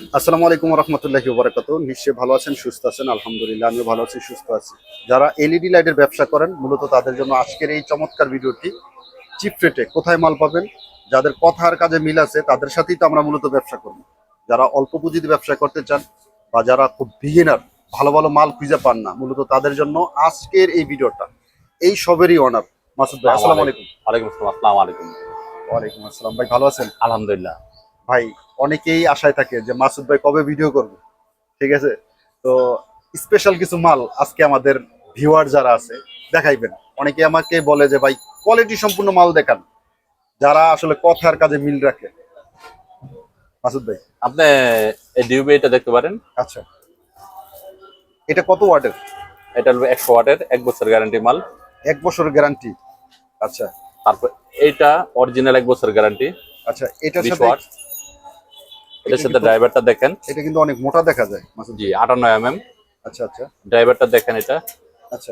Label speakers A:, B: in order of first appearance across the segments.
A: আসসালামু আলাইকুম ওয়া রাহমাতুল্লাহি ওয়া বারাকাতুহু। নিশ্চয়ই ভালো আছেন, সুস্থ আছেন। আলহামদুলিল্লাহ আমিও ভালো আছি, সুস্থ আছি। যারা এলইডি লাইটের ব্যবসা করেন মূলত তাদের জন্য আজকের এই চমৎকার ভিডিওটি। চিপ রেটে কোথায় মাল পাবেন, যাদের কথার কাজে মিল আছে তাদের সাথেই তো আমরা মূলত ব্যবসা করব। যারা অল্প পুঁজিতে ব্যবসা করতে চান বা যারা খুব বিগিনার, ভালো ভালো মাল খুঁজে পান না, মূলত তাদের জন্য আজকের এই ভিডিওটা। এই সবেরই অনার মাসুদ ভাই। আসসালামু আলাইকুম।
B: ওয়ালাইকুম আসসালাম। আসসালামু আলাইকুম।
A: ওয়ালাইকুম আসসালাম ভাই, ভালো আছেন?
B: আলহামদুলিল্লাহ।
A: ভাই অনেকেই আশায় থাকে যে মাসুদ ভাই কবে ভিডিও করবে, ঠিক আছে? তো স্পেশাল কিছু মাল আজকে আমাদের ভিউয়ার যারা আছে দেখাইবেন। অনেকে আমাকে বলে যে ভাই কোয়ালিটি সম্পূর্ণ মাল দেখান, যারা আসলে কথার কাজে মিল রাখে। মাসুদ ভাই,
B: আপনি এই ডিউবি এটা দেখতে পারেন।
A: আচ্ছা এটা কত ওয়াটের?
B: এটা হলো 100 ওয়াটের 1 বছর গ্যারান্টি মাল।
A: 1 বছরের গ্যারান্টি। আচ্ছা
B: তারপর এইটা অরিজিনাল 1 বছর গ্যারান্টি।
A: আচ্ছা, এটার
B: 20
A: সাথে
B: ওয়াট। এটার সাথে ড্রাইভারটা দেখেন।
A: এটা কিন্তু অনেক মোটা দেখা যায় মাসুদ
B: জি,
A: ভাই।
B: 58 এমএম।
A: আচ্ছা আচ্ছা
B: ড্রাইভারটা দেখেন এটা।
A: আচ্ছা,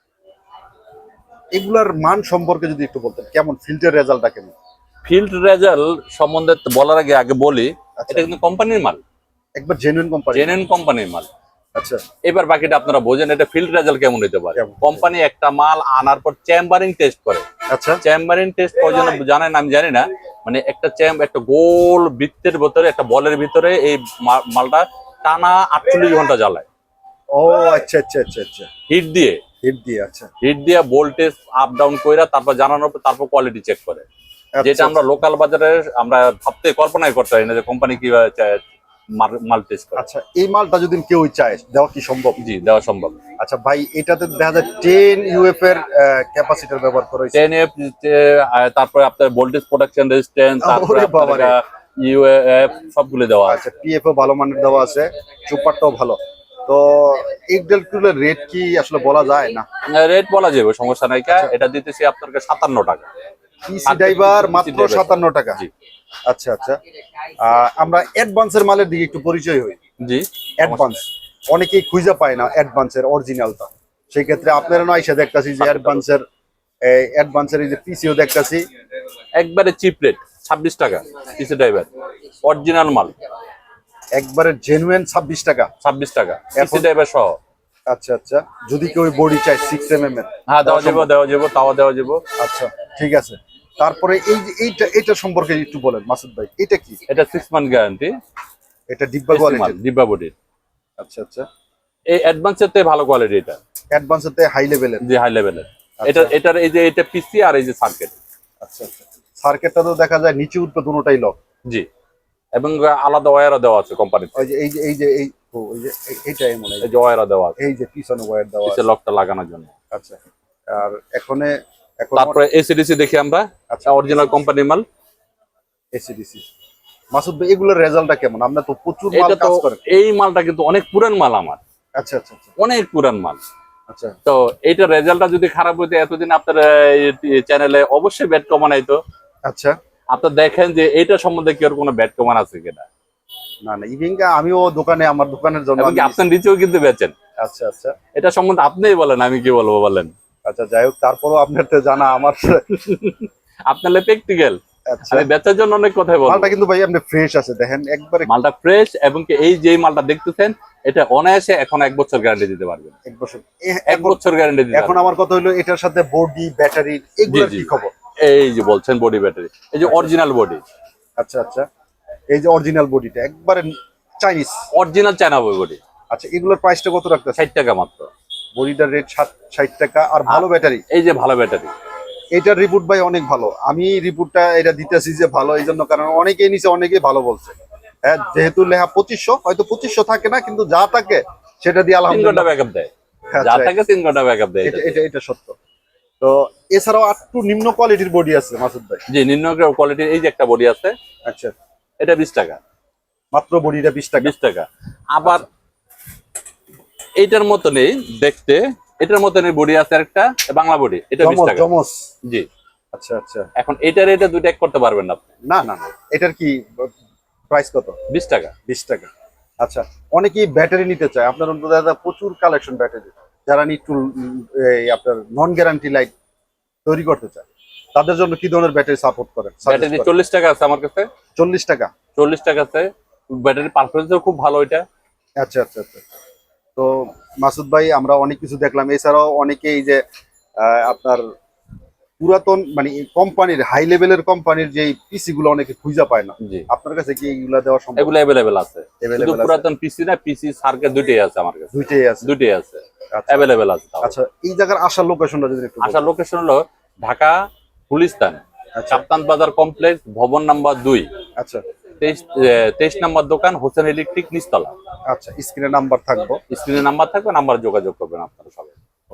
A: এগুলার মান সম্পর্কে যদি একটু বলতেন, কেমন ফিল্টার রেজাল্টটা কেমন?
B: ফিল্ড রেজাল্ট সম্বন্ধে বলার আগে বলি,
A: আচ্ছা,
B: এটা কিন্তু কোম্পানির মাল,
A: একবার জেনুইন কোম্পানি।
B: জেনুইন কোম্পানির মাল।
A: আচ্ছা
B: এবার বাকিটা আপনারা বোঝেন এটা ফিল্ড রেজাল্ট কেমন হতে পারে।
A: কেমন?
B: কোম্পানি একটা মাল আনার পর চেম্বারিং টেস্ট করে।
A: আচ্ছা
B: চেম্বারিং টেস্ট কয়জন জানেন আমি জানি না। মানে একটা গোল বৃত্তের ভিতরে, একটা বলের ভিতরে এই মালটা টানা 48 ঘন্টা জ্বালায়
A: ও আচ্ছা আচ্ছা আচ্ছা আচ্ছা,
B: হিট দিয়ে।
A: হিট দিয়ে। আচ্ছা
B: হিট দিয়ে ভোল্টেজ আপ ডাউন কইরা তারপর জানানোর পর তারপর কোয়ালিটি চেক করে।
A: আচ্ছা,
B: যেটা আমরা লোকাল বাজারে আমরা ভাবতে কল্পনাই করতে পারি না যে কোম্পানি কিভাবে মাল টেস্ট করে।
A: আচ্ছা, এই মালটা যদি কেউ চায় দেওয়া কি সম্ভব?
B: জি, দেওয়া সম্ভব।
A: আচ্ছা ভাই, এটাতে দেখা যায় 10 ইউএফ এর ক্যাপাসিটর ব্যবহার করা হয়েছে।
B: 10 এফ, তারপরে আপনার ভোল্টেজ প্রোটেকশন রেজিস্ট্যান্স, তারপরে
A: ওরে বাবারে।
B: ইউএফ সবগুলো দেওয়া আছে।
A: আচ্ছা, পিএফও ভালো মানের দেওয়া আছে, সুপারটাও ভালো। তো এই ডেলটুলের রেট কি আসলে বলা যায় না?
B: রেট বলা যাবে, সমস্যা নাই। এটা দিতেছি আপনাকে 57 টাকা।
A: পিসি ড্রাইভার মাত্র 57 টাকা।
B: জি
A: আচ্ছা আচ্ছা, আমরা অ্যাডভান্সের মালের দিকে একটু পরিচয় হই।
B: জি।
A: অ্যাডভান্স অনেকেই খুঁজে পায় না অ্যাডভান্সের অরিজিনালটা। সেই ক্ষেত্রে আপনারা নয় এসে দেখতাছি যে অ্যাডভান্সের এই যে পিসিও দেখতাছি
B: একবারে চিপ রেট 26 টাকা পিসি ড্রাইভার, অরিজিনাল মাল।
A: একবারে জেনুইন 26 টাকা।
B: 26 টাকা পিসি
A: এখন
B: ড্রাইভার সহ।
A: আচ্ছা আচ্ছা, যদি কেউ বডি চায় 6 mm এর,
B: হ্যাঁ, দেওয়া যাবে, তাও দেওয়া যাবে।
A: আচ্ছা ঠিক আছে। তারপরে এই যে এটা সম্পর্কে একটু বলেন মাসুদ ভাই, এটা কি?
B: এটা 6 মান্থ গ্যারান্টি।
A: এটা ডিব্বা কোয়ালিটি?
B: ডিব্বা বডি।
A: আচ্ছা আচ্ছা,
B: এই অ্যাডভান্সের থেকে ভালো কোয়ালিটি এটা।
A: অ্যাডভান্সেতে হাই লেভেলের?
B: জি, হাই লেভেলের।
A: আচ্ছা।
B: এটার এই যে এটা পিসি আর এই যে সার্কিট।
A: আচ্ছা আচ্ছা, সার্কিটটা তো দেখা যায় নিচে উঠবে দুটোটাই লক।
B: জি, এবং আলাদা ওয়্যারও দেওয়া আছে কোম্পানিতে।
A: ওই যে এইটা এমন,
B: এই যে ওয়্যারও দেওয়া আছে,
A: এই যে পিছনে ওয়্যার দেওয়া
B: পিছে
A: আছে।
B: লকটা লাগানোর জন্য।
A: আচ্ছা, আর এখন
B: তারপরে এসিডিসি দেখি আমরা।
A: আচ্ছা,
B: অরিজিনাল কোম্পানির মাল।
A: এসিডিসি। মাসুদ ভাই এগুলোর রেজাল্টটা কেমন? আমরা তো প্রচুর মাল
B: এটা তো,
A: কাজ করেন।
B: এই মালটা কিন্তু অনেক পুরান মাল আমার।
A: আচ্ছা আচ্ছা আচ্ছা
B: অনেক পুরান মাল।
A: আচ্ছা
B: তো এইটার রেজাল্টটা যদি খারাপ হইতো এতদিন আপনার চ্যানেলে অবশ্যই ব্যাড কমান আইতো।
A: আচ্ছা।
B: আপনার দেখেন যে এইটা সম্বন্ধে কি আর কোনো ব্যাড কমান আছে কিনা।
A: না না, ইভিনকা আমিও দোকানে, আমার দোকানের জন্য
B: এবং আপনার নিচেও কিন্তু বেচেন।
A: আচ্ছা আচ্ছা
B: এটা সম্বন্ধে আপনিই বলেন, আমি কি বলবো বলেন।
A: আচ্ছা, যাই হোক, তারপরও আপনার তো জানা আমার।
B: আপনার প্র্যাকটিক্যাল,
A: আচ্ছা,
B: আমি বেচার জন্য অনেক কথাই বলবো।
A: মালটা কিন্তু ভাই আপনি ফ্রেশ আছে, দেখেন একবারে
B: মালটা ফ্রেশ, এবং কি এই যে মালটা দেখতেছেন এটা অনায়াসে এখন 1 বছর গ্যারান্টি দিতে পারবেন।
A: 1 বছর।
B: 1 বছর গ্যারান্টি দিতে
A: এখন আমার কথা হলো এটার সাথে বডি, ব্যাটারি, এগুলোর
B: জি,
A: কি খবর?
B: এই যে বলছেন বডি ব্যাটারি, এই যে অরিজিনাল বডি।
A: আচ্ছা আচ্ছা, এই যে অরিজিনাল বডিটা একবারে চাইনিজ,
B: অরিজিনাল চায়না বডি।
A: আচ্ছা, এগুলোর প্রাইসটা কত রাখতেছে?
B: 60 টাকা মাত্র।
A: বডিটার রেট 60 টাকা, আর ভালো ব্যাটারি।
B: এই যে ভালো ব্যাটারি,
A: এটার রিপোর্ট ভাই অনেক ভালো। আমি রিপোর্টটা এটা দিতেছি যে ভালো এই জন্য, কারণ অনেকেই নিচে, অনেকেই ভালো বলছে। হ্যাঁ, যেহেতু লেখা 2500, হয়তো 2500 থাকে না, কিন্তু যা থাকে সেটা দিয়ে
B: 3 ঘন্টা
A: আলহামদুলিল্লাহ
B: ব্যাকআপ দেয়।
A: আচ্ছা,
B: যা থাকে 3 ঘন্টা ব্যাকআপ দেয়।
A: এটা সত্য। তো এছাড়াও একটু নিম্ন কোয়ালিটির বডি আছে মাসুদ ভাই?
B: জি, নিম্ন কোয়ালিটির এই যে একটা বডি আছে।
A: আচ্ছা,
B: এটা 20 টাকা
A: মাত্র বডিটা 20 টাকা?
B: 20 টাকা। আবার এইটার মতনই দেখতে, এটার মতনই বডি আছে একটা বাংলা বডি, এটা 20 টাকা।
A: জমস?
B: জি।
A: আচ্ছা আচ্ছা,
B: এখন এটার এটা দুইটা এক করতে পারবেন না আপনি।
A: না না না, এটার কি প্রাইস কত?
B: 20 টাকা।
A: 20 টাকা। আচ্ছা, অনেকেই ব্যাটারি নিতে চায়, আপনার অন্তত দাদা প্রচুর কালেকশন ব্যাটারি, যারা একটু আপনার নন গ্যারান্টি লাইট তৈরি করতে চায় তাদের জন্য কি ধরনের ব্যাটারি সাপোর্ট করেন?
B: ব্যাটারি 40 টাকা আছে আমার কাছে।
A: 40 টাকা?
B: 40 টাকা আছে। ব্যাটারি পারফরমেন্সও খুব ভালো এটা।
A: আচ্ছা আচ্ছা আচ্ছা। তো মাসুদ ভাই, আমরা অনেক কিছু দেখলাম, এছাড়াও অনেকে এই যে আপনার পুরাতন মানে কোম্পানির হাই লেভেলের কোম্পানির যে পিসি গুলো অনেকে খুঁজে পায় না,
B: জি,
A: আপনার কাছে কি এইগুলা দেওয়া সম্ভব?
B: এগুলো অ্যাভেলেবেল আছে। শুধু
A: Available আছে?
B: পুরাতন পিসি না, পিসি সার্কিট দুইটাই আছে আমার কাছে।
A: দুইটাই আছে?
B: দুইটাই আছে,
A: আচ্ছা
B: অ্যাভেলেবেল আছে তাও।
A: আচ্ছা, এই জায়গার আসার লোকেশনটা যদি একটু
B: আসার
A: বলেন।
B: লোকেশন হলো ঢাকা গুলিস্তান,
A: আচ্ছা
B: কাপ্তান বাজার কমপ্লেক্স, ভবন নাম্বার 2,
A: আচ্ছা
B: 23 নম্বর দোকান, হোসেন ইলেকট্রিক, নিচতলা।
A: আচ্ছা, স্ক্রিনে নাম্বার থাকবো।
B: স্ক্রিনে নাম্বার থাকবে, নাম্বার যোগাযোগ করবেন আপনারা সবাই।